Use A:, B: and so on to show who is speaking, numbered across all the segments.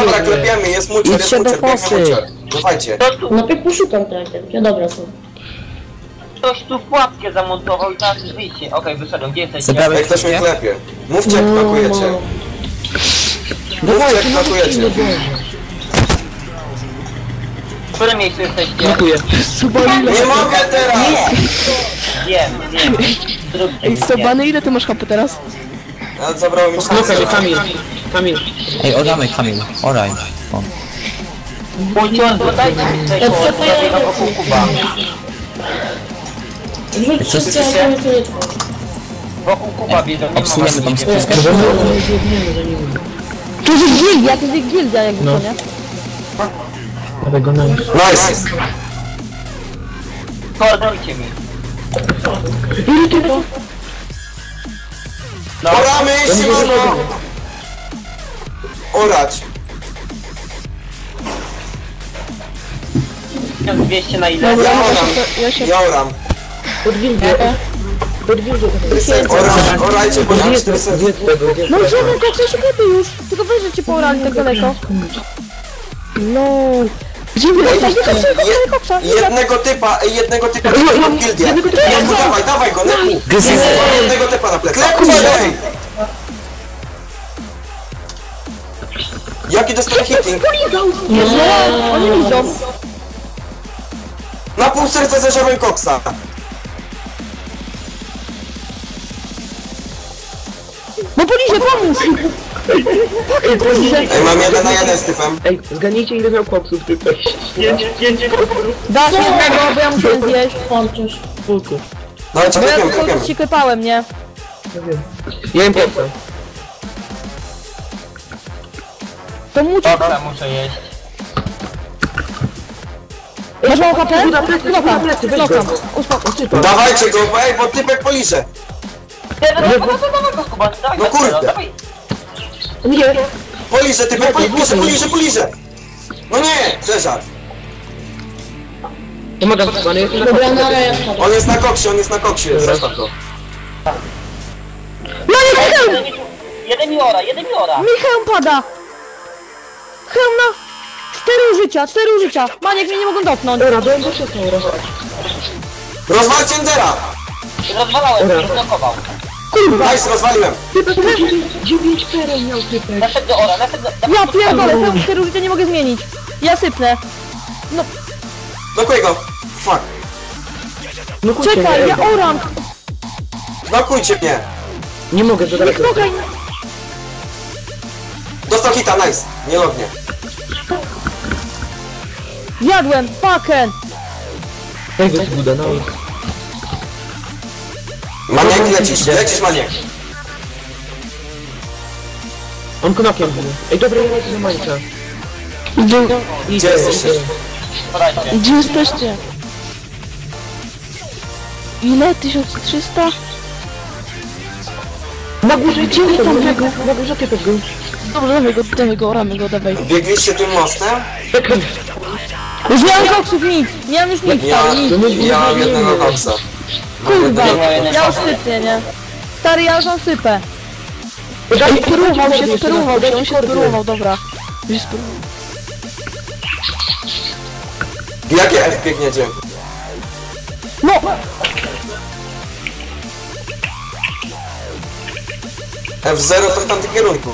A: Dobra, klepiemy, jest mulcher, biegnie mulcher. Dawajcie.
B: No piek poszukam tak, ja dobra są.
C: Ktoś tu pułapkę zamontował i teraz wyjście. Okej, wyszedłem, gdzie jesteście?
A: Jak ktoś mnie klepie. Mówcie jak blokujecie. Mówcie jak blokujecie.
C: W którym miejscu jesteście?
D: Dziękuję.
A: Nie mogę teraz!
C: Wiem. Zróbcie
E: Ej,
C: mi,
E: Sobany, ile ty masz HP teraz?
A: Ale zabrało mi
D: Okej, Kamil.
F: Ej, oddamy Kamil. Oraj. O.
C: Mój dodajcie mi tutaj koło, zrobię wokół kuba.
B: Rzuć wszystkie, ale to nie trwa.
C: Wokół kuba wiedzą, nie ma
F: Obsujemy tą spuskę.
E: To jest gildia, to jest gildia jakby to, nie?
D: Dawaj go na...
A: Nice!
C: Koordynujcie mi. No,
A: Oramy, Simono! Orać.
C: 1200 na ile?
A: Ja oram.
D: Pod gildię.
A: Orajcie, bo mam 400.
E: No idziemy, koksa, szukamy już! Tylko weź, że cię poorali tak daleko. No. Gdzie wy jesteście? Koksa,
A: Jednego typa w gildię. Dawaj go, Neku. Jednego typa na plecach. Ej! Jaki dostał hitting?
E: nie, oni widzą.
A: Na pół serca zeżarłem koksa.
E: No polizie, pomóż!
A: Ej, mam 1 na 1 z typem.
D: Ej, zgadnijcie ile miał koksów tutaj. Zdjęcie
E: Dasz jednego, bo ja muszę zjeść.
B: Włączysz.
D: kulku.
A: Dawajcie,
E: Bo ja
A: klepiemy.
E: tylko się klepałem, nie?
D: Ja im koksa.
E: To muci...
C: Dobra, muszę jeść.
E: Masz mało HP? Klokam. Uspokój.
A: Dawajcie go, bo typek poliże.
C: Dawaj go kuba, dawaj
A: No
C: go,
A: kurde.
C: dawaj.
D: Nie!
A: Poliże, typek poliże. No nie, zeżar.
D: Pomagam chyba, nie?
B: Dobra, no ale ja spadam.
A: On jest na koksie, zostaw go.
E: No nie, hełm!
C: Jeden mi ora.
E: Mi hełm pada! Hełm na... 4 użycia! Maniek mnie nie mogą dotknąć.
D: Dobra, byłem do szybko,
A: Rozwalcie Endera!
C: Rozwalałem, blokował.
A: Nice, rozwaliłem.
D: 9 perel miał typek.
C: Naszedł do ora,
E: Ja pierdolę, hełm 4 użycia nie mogę zmienić. Ja sypnę.
A: Blokuj go. Fuck.
D: No kurczę,
E: Czekaj, ja oram.
A: Blokujcie mnie.
D: nie mogę do daleko.
E: Knokaj.
A: Dostał hita, nice. Nie lognie.
E: Jadłem, fucken.
D: Daj go zbuda, no.
A: Maniek, lecisz Maniek.
D: On knokiem był. Ej, dobra, ja lecę za mańca.
A: Gdzie jesteście?
C: Podajcie.
E: Gdzie jesteście? Ile? 1300?
D: Na górze, gdzie tam tego? Na górze typek był.
E: Dobrze, dawaj go, oramy go, dawaj.
A: Biegliście tym mostem?
E: Już nie mam koksów, nic. Nie mam już nic, stary, nic.
A: Ja mam jednego koksa.
E: Kurwa, ja już sypię, nie? Stary, ja już mam sypę. Sperował się, on się sperował, dobra. Już sperował.
A: Jakie F biegniecie?
E: No!
A: F0 to w tamtym kierunku.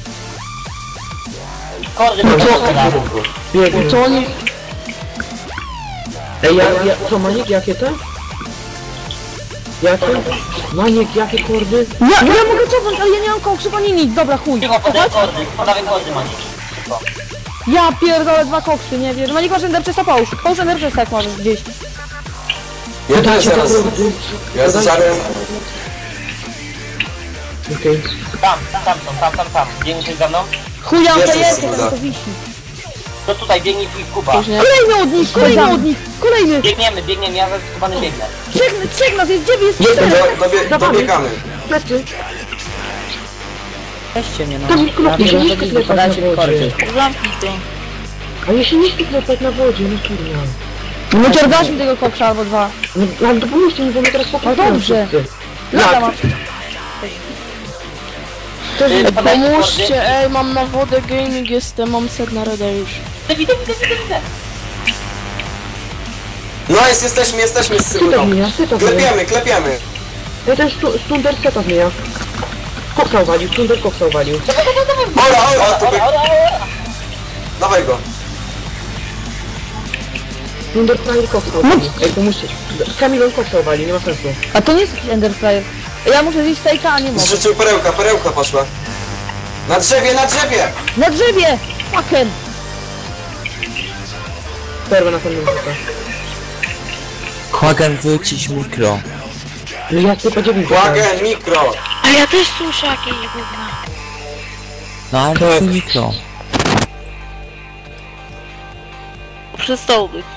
E: Co oni...
D: Ej, co, Maniek, jakie te? Jakie? Maniek, jakie kordy?
E: Ja mogę cofnąć, ale ja nie mam koksów ani nic, dobra, chuj.
C: Cicho, podaj kordy, Mani.
E: Ja pierdolę 2 koksy, nie wiem. Manik masz enderchesta, połóż enderchesta jak możesz gdzieś.
A: Ja też zaraz. Ja zażarłem.
D: Okej.
C: Tam. Biegniesz za mną?
E: Chuja, to
A: Jezus,
E: jest,
A: kurwa.
E: to wisi.
C: To tutaj, biegnij twój kuba.
E: Kolejny od nich, kolejny.
C: Biegniemy, ja ze skubany biegnę.
E: Trzech nas jest, 9 jest,
A: Jest,
E: 4.
A: dobiegamy.
D: Plecy.
G: Weźcie mnie, no.
D: Tam mi klopnie, nie sklepać
G: Podajcie
D: na
G: mi kordy.
D: wodzie.
E: Zamknij to.
D: A ja się nie sklepać na wodzie, no kurwa.
E: No ciągasz mi tego koksa albo 2.
D: No, ale to pomóżcie mi, bo my teraz
E: No dobrze. Lata mam. Pomóżcie, ej, mam na wodę gaming, mam set na reda już.
C: Widzę.
A: No jesteśmy z Sybuną. Klepiemy.
D: Ja ten Stunder seta zmienia. Koksa uwalił, Stunder koksa uwalił.
A: Ola, dawaj go.
D: Stunder Flyer koksa uwalił. Ej, pomóżcie. Kamilon koksa uwalił, nie ma sensu.
E: A to nie jest jakiś Ender Flyer. Ja muszę zjeść stejka, a nie mogę.
A: Zrzucił perełka poszła. Na drzewie!
E: Na drzewie! Fucken!
D: Perwę na pewno rzuca.
F: Hagen, wycisz mikro.
D: Ja tylko 9
A: Wagen, mikro!
G: A ja też słyszę jakieś gówna.
F: No ale to mikro.
G: Przestał być.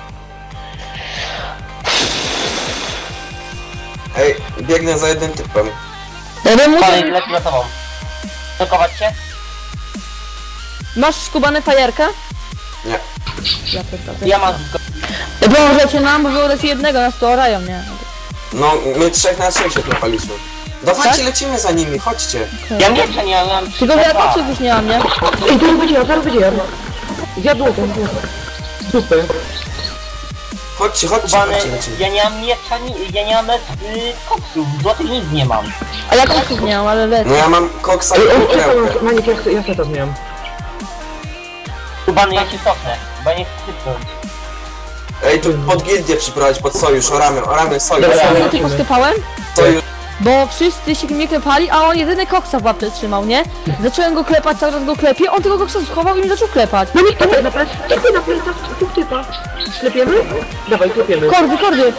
A: Ej, biegnę za jednym typem.
E: Ja bym
C: Dalej,
E: musiał...
C: lecę za tobą. Blokować się?
E: Masz skubane fajerka?
A: Nie.
E: Ja pierdolę.
C: Ja mam
E: Dobrze, nam, bo było leci jednego, nas tu orają, nie?
A: No, my 3 na 3 się klepaliśmy. Dawajcie,
E: Tak?
A: lecimy za nimi, chodźcie.
C: Ja miecza nie mam.
E: Tylko że ja koksów już nie mam, nie?
D: Ej, zaraz będzie ja. Zjadł to. Super.
A: Chodźcie,
C: Kubany,
A: lecimy.
C: ja nie mam miecza, ja nie mam koksów, złotych nic nie mam.
E: A ja koksów nie mam, ale lecę.
A: No ja mam koksa
D: Ej,
A: i
D: on
A: perełkę.
D: czekał, Maniek, ja seta zmieniam.
C: Kubany, ja się cofnę, bo ja nie chcę sypnąć.
A: Ej, tu pod gildię przyprowadź, pod sojusz, oramy sojusz.
C: Dobra.
E: Ja tylko sklepałem,
A: Sojusz.
E: bo wszyscy się mnie klepali, a on jedyny koksa w łapce trzymał, nie? Zacząłem go klepać, cały czas go klepię, on tego koksa schował i mi zaczął klepać.
D: No nikt nie na plecy, tu typa. Klepiemy? Dawaj, klepiemy.
E: Kordy!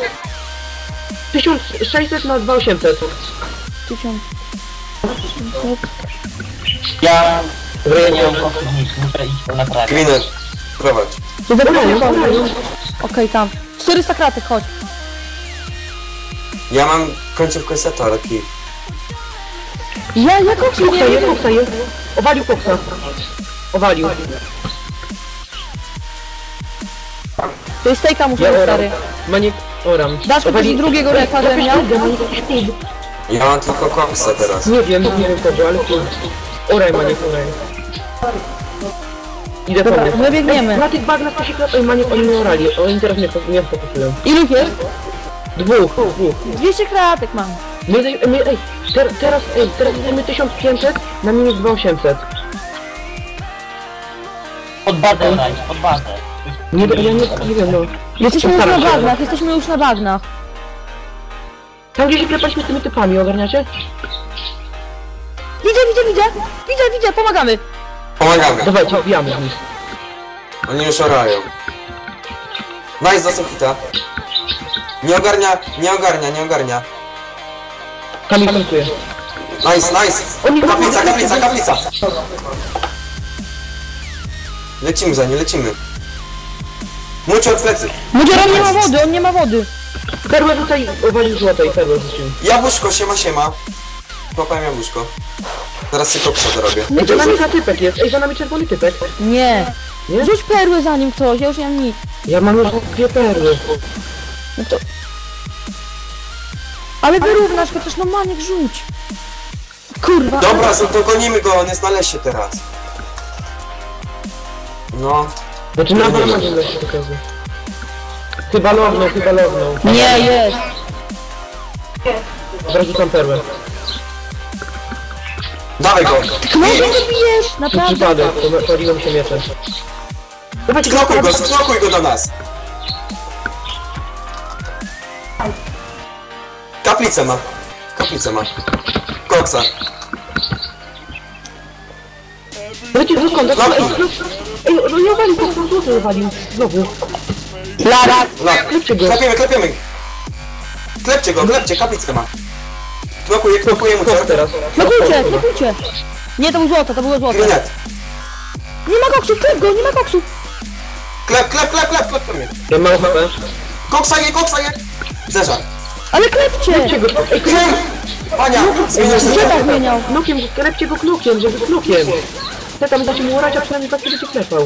D: 1600 na 2800.
E: 1000.
C: Ja nie mam koksów nic, muszę iść to naprawić.
A: Gwinę, prowadź.
E: Okej, tam. 400 kratek, chodź.
A: Ja mam końcówkę seta, ale kij.
E: Ja koksu nie wiem.
D: Koksa jest. Owalił koksa. Owalił.
E: To jest stejka muszę
D: Ja
E: mieć,
D: oram.
E: stary.
D: Maniek, oram.
E: Dasz mi też drugiego reka, żebym miał?
A: Ja mam tylko koksa teraz.
D: Nie wiem kogo, ale tu. Oraj, Maniek, oraj. Idę po
E: Dobra,
D: mnie.
E: my biegniemy.
D: Na tych bagnach to się klep... Ej, Maniek, oni mnie orali. Oni teraz mnie fokusują.
E: Ilu jest?
D: Dwóch.
E: 200 kratek mam.
D: Teraz jesteśmy 1500 na minus 2800.
C: Pod bazę daj, pod bazę.
D: Ja nie wiem, no.
E: Jesteśmy już na
D: Postaram się.
E: bagnach, jesteśmy już na bagnach.
D: Tam gdzie się klepaliśmy z tymi typami, ogarniacie?
E: Widzę, pomagamy.
A: Pomagamy.
D: Dawajcie, wbijamy w nich.
A: Oni już orają. Nice, dostał hita. Nie ogarnia.
D: Kamil kontuje.
A: Nice. Kaplica. Lecimy za nie, lecimy. Mucie od plecy.
E: Mudzior, on nie ma wody.
D: Perłę tutaj owalił złotej, perłę rzucił.
A: Jabłuszko, siema. Kopałem jabłuszko. Teraz się koksa dorobię.
D: Ej, za nami typek jest, za nami czerwony typek.
E: Nie.
D: Nie?
E: Rzuć perły za nim ktoś, ja już nie mam nic.
D: Ja mam już 2 perły.
E: No to... Ale wyrównasz chociaż, no Maniek, rzuć. Kurwa.
A: Dobra, to gonimy go, on jest na lesie teraz. No.
D: Znaczy na pewno nie się pokazuje. Chyba lognął.
E: Nie, jest.
D: Zaraz rzucam perłę.
A: Dawaj go.
E: No nie bijesz,
D: Przez
E: naprawdę.
D: przypadek, paliłem się mieczem. Dawajcie,
A: Sklokuj go do nas. Kaplicę ma. Koksa.
D: Dajcie zróbką, ej, no nie owalił, to są złoty owalił. Znowu.
E: Lara.
D: Klepcie go.
A: Klepiemy. Klepcie, kaplicę ma. Knokuję mu
D: Kop teraz.
E: Klokujcie. Nie, to było złoto.
A: Grinet.
E: Nie ma koksu, klep go, nie ma koksu.
A: Klepmy.
D: Ja mam HP.
A: Koksa je. Zerza.
E: Ale klepcie.
D: Klepcie go. Ej,
A: Krem! Pania, zmieniasz
E: Gdzie
A: się.
E: tak zmieniał?
D: knokiem, klepcie go knokiem, żeby z knokiem. Te tam dacie mu orać, a przynajmniej tak będzie klepał.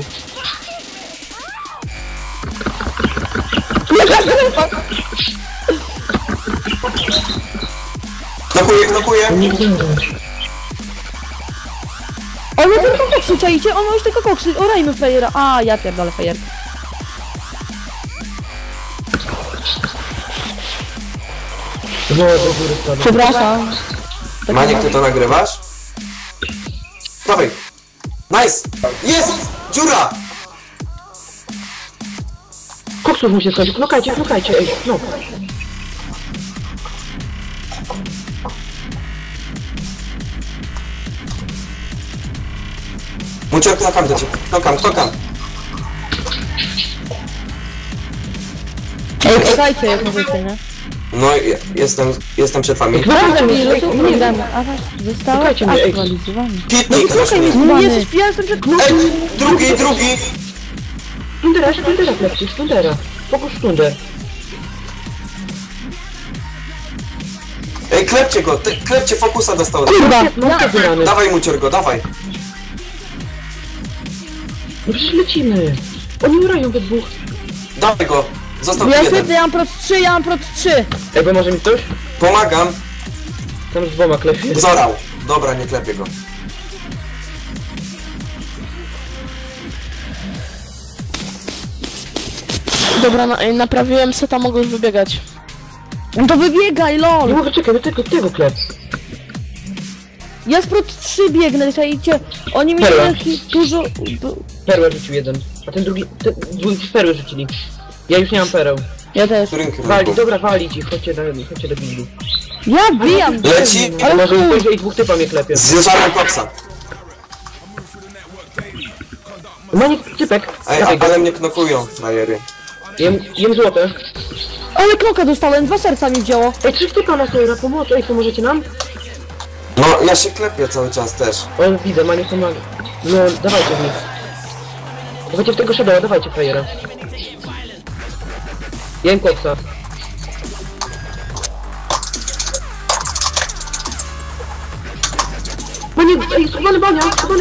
A: Knokuję.
E: On ma tylko koksy, czajcie? On ma już tylko koksy. Orajmy frajera. A, ja pierdolę frajer.
D: No, do góry spadł.
E: Przepraszam.
A: Maniek, ty to nagrywasz? Dawaj! Nice! Jest! Dziura!
D: Koksów mu się skończył. Knokajcie, ej, no.
A: Mucior, knokam do ciebie. Knokam.
E: Ej, czekajcie, jak możecie, nie?
A: No, jestem przed wami.
E: Prawda mi, że to nie damy. A was zostało
D: Czekajcie mnie, ej.
E: aktualizowane.
A: Pitnik,
E: Słuchaj mnie,
A: proszę.
E: no nie jesteś, ja jestem przed...
A: Ej, drugi!
D: Stundera klepcie, Stundera. Fokus Stunder.
A: Ej, klepcie go, klepcie, fokusa dostał.
E: Kurwa!
D: Mam te wyrany.
A: Dawaj, Mucior go, dawaj.
D: No przecież lecimy. Oni urają we dwóch.
A: Dawaj go. Został
E: Ja
A: jeden.
E: sypię, ja mam prot 3.
D: Ej, bo może mi ktoś?
A: Pomagam.
D: Tam z dwoma klepie.
A: Zorał. Dobra, nie klepię go.
G: Dobra, naprawiłem seta, mogę już wybiegać.
E: No to wybiegaj,
D: Nie
E: lol!
D: mogę, czekaj, do tego klep.
E: Ja z prot 3 biegnę, czajcie? Oni mi
D: Perła.
E: dużo...
D: Perłę rzucił jeden. A ten drugi, dwójki perły rzucili. Ja już nie mam pereł.
E: Ja też.
A: W którym
D: Wali,
A: kierunku?
D: dobra, walić ich, chodźcie do bildu.
E: Ja bijam!
A: Leci.
D: Ale może ktoś i dwóch typa mnie klepie.
A: Zjeżdżamy koksa.
D: Maniek, typek.
A: Ej,
D: Dawaj go.
A: ale mnie knokują, frajery.
D: Jem złote.
E: Ale kloka dostałem, 2 serca mi wzięło.
D: Ej, 3 typa na sobie, na pomoc. Ej, pomożecie nam?
A: No, ja się klepię cały czas też.
D: O, widzę, Maniek pomaga. No, dawajcie w nich. Dawajcie w tego shadowa, dawajcie frajera. Jem koksa. Maniek, ej, schowany bania.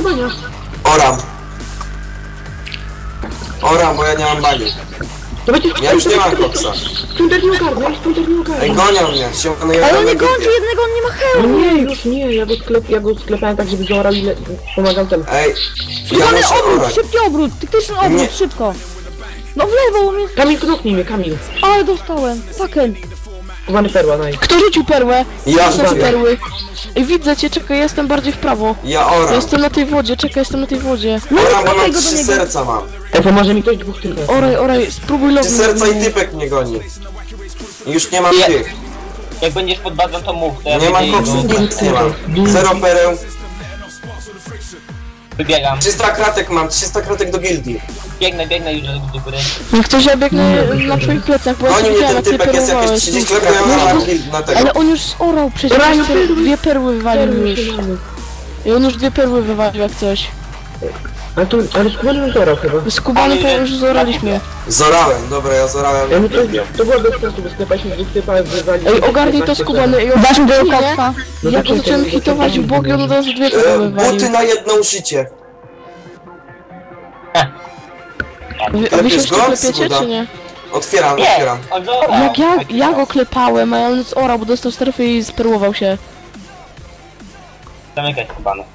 A: Oram, bo ja nie mam bani.
D: Dawajcie,
A: Ja już nie mam koksa.
D: Stunder nie ogarnia,
A: Ej, gonią mnie, siąkany
E: Ale on
A: jeden
E: nie
A: na
E: kończy
A: grupie.
E: jednego, on nie ma
D: No
E: hełmu.
D: nie, już nie, ja go sklepałem tak, żeby zaorał i pomagał temu.
A: Ej, ja
E: Skubany
A: muszę
E: obrót,
A: orać.
E: szybki obrót, taktyczny obrót,
A: Nie.
E: szybko. No w lewo mnie,
D: Kamil, knoknij mnie, Kamil.
E: ale dostałem. Fucking.
D: Schowany perła, naj.
G: Kto rzucił perłę?
A: Ja
G: Są
A: rzuciłem.
G: perły. Ej, widzę cię, czekaj, ja jestem bardziej w prawo.
A: Ja
G: Ja
A: oram.
G: jestem na tej wodzie, czekaj, jestem na tej wodzie.
A: Oram, bo mam
E: go do
A: 3
E: niego.
A: serca mam.
D: Ej, pomoże mi ktoś dwóch typek.
G: Oraj, spróbuj
A: 3
G: logu.
A: serca i typek mnie goni. I już nie mam
C: Nie.
A: tych.
C: Jak będziesz pod bazą, to mów. To ja
A: Nie mam
C: wyjdę i
A: koksów,
C: go-
A: nic nie mam. 0 pereł.
C: Wybiegam.
A: 300 kratek mam, 300 kratek do gildii.
C: Biegnę już do góry.
G: Jak coś ja biegnę na twoich plecach, bo ja
A: Goni
G: się
A: mnie
G: widziałem,
A: ten
G: jak ty
A: typek, jest jakieś
G: perłowałeś.
A: 30 kratek, ja mam na gild, na tego.
G: Ale on już zorał przecież,
D: Orają
G: już
D: perły.
G: 2 perły wywalił
D: Perły
G: już.
D: się mamy.
G: I on już 2 perły wywalił jak coś.
D: Ale skubany już zorał chyba.
G: Skubany to już zoraliśmy.
A: Zorałem, dobra, ja zorałem.
D: Ej, no to było bez sensu, bo sklepaliśmy dwóch typa, wywali...
G: Ej, ogarnij to skubany, ej,
E: Dasz mi tego
G: nie?
E: koksa?
D: No
G: Ja
D: to
G: go zacząłem
D: czekaj,
G: hitować w boki, on od razu 2 perły
A: Buty
G: wywalił.
A: na jedno życie.
G: Wy
A: Klepiesz
G: się jeszcze
A: go?
G: klepiecie,
A: Zgoda.
G: czy nie?
A: Otwieram.
C: Nie, on zorał.
G: Jak ja go klepałem, a on zorał, bo dostał strefy i sperłował się.
C: Zamykać skubany.